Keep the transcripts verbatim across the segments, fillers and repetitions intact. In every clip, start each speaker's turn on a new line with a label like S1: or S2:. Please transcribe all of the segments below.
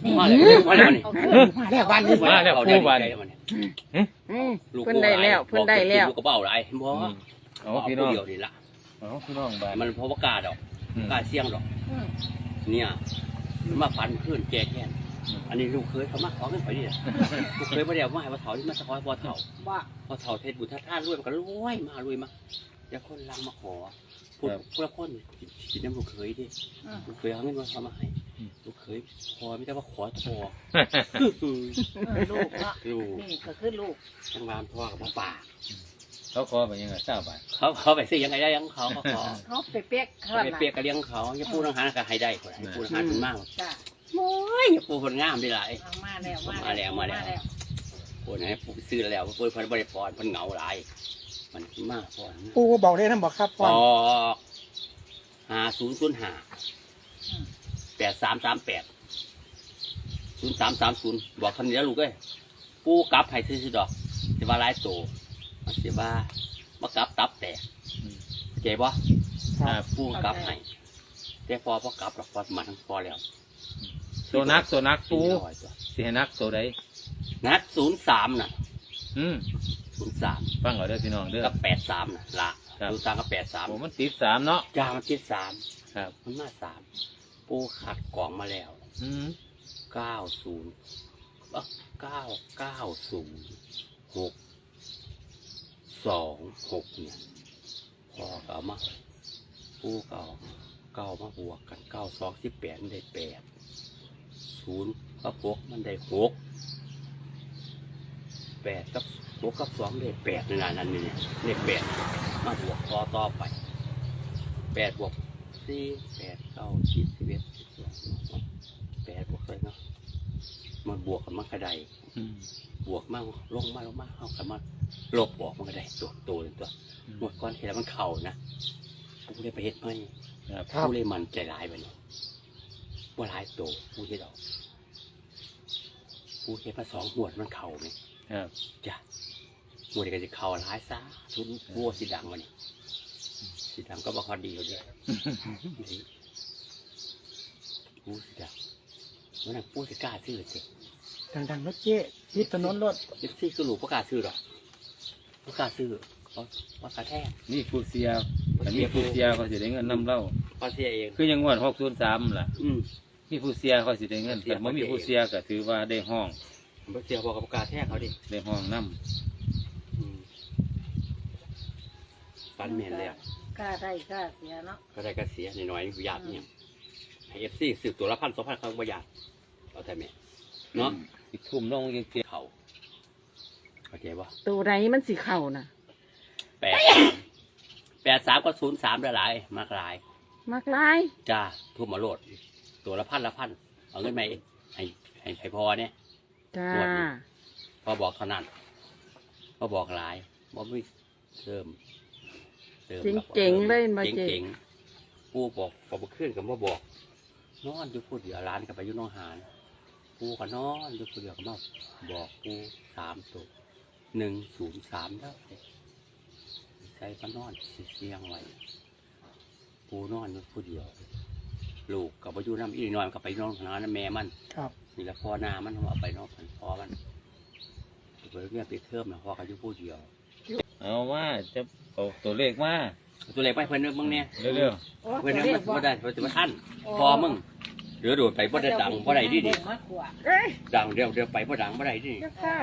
S1: มาแล้วมาแล้วนี่
S2: มาแล้วบ้านนี้
S1: มาแล้วปูบ้านลูก
S3: เพิ่นได้แล้วเพิ่นได้แล้ว
S1: ลูกกระเป๋าไรบ่
S4: เอาพี่น้อง
S1: เดียวนี่ละ
S4: เอาพี่น้องบ้าน
S1: มันเพราะว่ากาดอกกาเสี่ยงดอกเนี่ยมันมาฟันขึ้นแก่แค้นอันนี้ลูกเคยเขามาขอเงินไปดิลูกเคยมาเดียวมาให้มาเถาที่มาสะคอยพอเถา
S3: ว่า
S1: พอเถาเทศบุญท่าท่ารวยมันก็รวยมารวยมาเดี๋ยวคนลังมาขอพูดพูดละคนกินน้ำลูกเคยดิลูกเคยเอาเงินมาเขามาให้ลูกเคยพอไม่ได้ว่าขอทอ
S3: ลูกเนาะ
S1: ลูก
S3: นี่ก็คือลูก
S1: ทำงานพ่อกับพ่อป่า
S4: เขาขอไปยังไงเจ้าบ้าน
S1: เขาเขาไปซื้อยังไงได้ยังเขาเขาขอ
S3: เขาไปเปียก
S1: เขาไปเปียกกระเลี้ยงเขาจะพูดทางหารก็ให้ได้คนให้พูดทางหารเป็นมาก
S3: จ้า
S1: โอ้ยอย่าพูดคนงามได้หลาย
S3: เอามาแล้ว
S1: มาแล้วมาแล้ว พูดให้พูดซื้อแล้วพูดพันบริพรพันเหงาหลายมันมากพอ
S2: ปูบอกได้ท่านบอกครับ
S1: อ
S2: ก่อน
S1: อกห้าศูนย์ศูนย์ห้าแปดสามสามแปดศูนย์สามสามศูนย์บอกคำนี้แล้วลูกเอ้ยปูกลับให้ซื้อดอกสิว่าหลายโตมันสิว่ามากลับตับแตกเจ็บปะ
S2: ครับ
S1: ปูกลับให้แต่พอพอกลับหรอกพอมาทั้งพอแล้ว
S4: ตัวนักตัวนักปู
S1: สี่ร้อยตัว
S4: สิให้นักตัวใด
S1: นัดศูนย์สามน่ะ
S4: อืม
S1: ศูนย์สาม
S4: ฟังเอาเด้อพี่น้องเด้อ
S1: กับแปดสามน่ะละ
S4: ครับ
S1: ศูนย์สามกับแปดสาม
S4: โอ้มันติดสามเนาะ
S1: ยามันคิดสาม
S4: ครับ
S1: มันมาสามปูขัดกล่องมาแล้ว
S4: อืม
S1: เก้าศูนย์เก้าเก้าศูนย์หกสองหกเนี่ยพอก็เอามาปูเก่าเก้ามาบวกกันเก้าสองสิบแปดมันได้แปดศูนย์กับหกมันได้หกแปดกับหกกับสองได้แปดนั่นน่ะนั่นนี่เนี่ยได้แปดมาบวกต่อต่อไปแปดบวกสี่แปดเก้าสิบสิบเอ็ดสิบสองแปดบวกเลยเนาะมันบวกกันมากระได
S4: อืม
S1: บวกมากลงมาลงมาเอากันมาลบออกมันก็ได้ตัวตัวเลยตัวหมดก้อนเห็นแล้วมันเข่านะผู้ได้ไปเฮ็ดไหม
S4: ครับ
S1: ผู้ได้มันใจร้ายไปเนี่ยว่าร้ายตัวผู้เฮ็ดออกผู้เฮ็ดมาสองหมวดมันเข่าไหม
S4: ครับ
S1: จ้ะหมวดนี้ก็จะเข่าร้ายซะทุนวัวสีดังวะนี่สีดังก็บอกคอดีเขาด้วยนี่ผู้สีดังมันนั่งผู้สีกล้าซื้อเจ๊
S2: ดังๆรถเจ๊ทิศถนนรถ
S1: เอฟซีก็หลูประกล้าศซื้อหรอกประกล้าศซื้อเพราะว่ากระแทก
S4: นี่ผู้เสียอันนี้ผู้เสียเขาสิได้เงินนำเล่า
S1: พอเสียเอง
S4: คือยังงวดหกศูนย์สามล่ะ
S1: อืม
S4: มีผู้เสียเขาสิได้เงินแต่ไม่มีผู้เสียก็ถือว่าได้ห้อง
S1: พอเสียบอกกับประกล้าศแทกเขาดิ
S4: ได้ห้องน้
S1: อืมฟันเมนแล้ว
S3: กล้าได้กล้าเสียเนาะ
S1: ก็ได้กระเสียหน่อยๆหยาดเนี่ยให้เอฟซีซื้อตัวละพันสองพันเขาประหยัดเอาแต่เมนเนาะ
S4: ำสิทุ่มลงยังเสีย
S1: เขาเข้าใจป่ะ
S3: ตัวไรมันสีเข่าน่ะ
S1: แปดแปดสามก็ศูนย์สามได้หลายมากหลาย
S3: มากลาย
S1: จ้าทุ่มมาโหลด ตัวละพันละพันเอาเงินมาให้ให้ให้พอเนี่ย
S3: จ้า
S1: หมวดนี้ พอบอกเท่านั้นพอบอกหลายบ่ไม่เติมเติม
S3: เจ๋งๆเลยมา
S1: เจ๋ง
S3: เจ๋
S1: เจ๋
S3: ง
S1: งปูบอกบอกบ่ขึ้นกับบ่บอกนอนอยู่พูดเดียวร้านกับไปอยู่น้องหานปูก็นอนอยู่พูดเดียวกับมาบอกปูสามตัวหนึ่งศูนย์สามแล้วใส่ก็นอนเสียงไว้ปูนอนอยู่พูดเดียว ลูกกับไปอยู่น้ำอีนอนกับไปน้องหานแม่มัน
S2: ครับ
S1: นี่ละพ่อหน้ามันเอาไปนอกมันพ่อมันไปเรียกไปเทิมนะพ่อเขาอยู่พูดเดียว
S4: เอาว่าจะเอาตัวเลขมา
S1: ตัวเล็กไปเพิ่นเรื่องมึงเนี่ย
S4: เร็ว
S3: โอ้
S1: เพิ่น
S3: ตัว
S1: เรื่
S3: เล
S1: อง
S3: ข
S1: มันบ่ได้เพิ่นจะมาท่านพอมึงเดี๋ยวโดดไปบ่ได้ดังบ่ได้ดิดิ
S3: เอ้ย
S1: ดังเดี๋ยวเดี๋ยวไปบ่ดังบ่ได้ดิ
S3: จะเข้า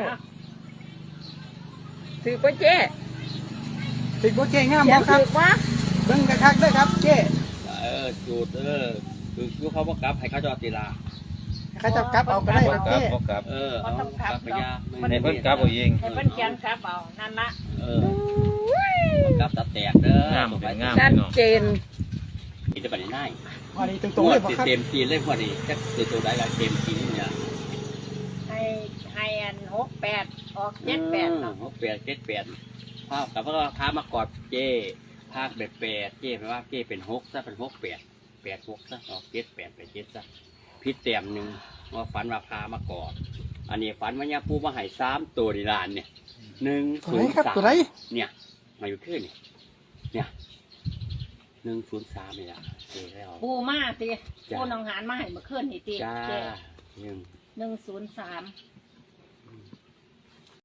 S3: ถือปะเจ๊
S2: ติดโบเจ๊งาม
S3: เขีย
S2: บ่
S3: น
S2: ครับ
S3: ถือปะ
S2: เบิ่งกระคักด้วยครับเจ๊
S1: เออจูดเออคือคือเขาบ่กลับให้เขาจอดตีลา
S2: เขาจะกลับเอาก็ได้
S4: ๆ
S2: ครับ
S4: กลับ
S2: เจ๊
S4: บ่กลับ
S1: เออเอากลับไปยา
S4: ให้เพิ่นกลับเอาเอง
S3: ให้เพิ่นเขียนครับเอานั่นละ
S1: เออกลับตัดแตกเด้อง
S4: ามเป็นงาม
S3: ชัด
S4: พี่น้อง
S3: เจน
S1: นี่จะไปได้
S2: อันนี้ตรงๆเลยบ่ครับ
S1: เต็มทีเลยพอดีจักสิตัวใดล่ะเต็มทีเนี่ย
S3: ให้ให้อันหกแปดออกเจ็ดแปดเนาะ
S1: หกแปดเจ็ดแปดภาพแต่ว่าท้ามากอดเจ้ภาคแปดแปดเจ้แปลว่าเจ้เป็นหกซะเป็นหกแปดแปดหกซะออกเจ็ดแปดแปดเจ็ดซะพิษเต็มหนึ่งว่าฝันว่าพามากอดอันนี้ฝันว่าเนี่ยปูมาให้สามตัวดีลานเนี่ยหนึ่ง
S2: ตัว
S1: ศู
S2: ไหน
S1: นย์
S2: ครับ
S1: สาม
S2: ตัวไหน
S1: เนี่ยมาอยู่ขึ้นเนี่ยเนี่ยหนึ่งศูนย์สามนี่ละเจ้แล้ว
S3: ปูมาตี
S1: จ้ะ
S3: ปูน้องหานมาให้เมื่อคืนนี่ตี
S1: จ้า
S3: เจ๊
S1: หนึ่ง
S3: หนึ่งศูนย์สาม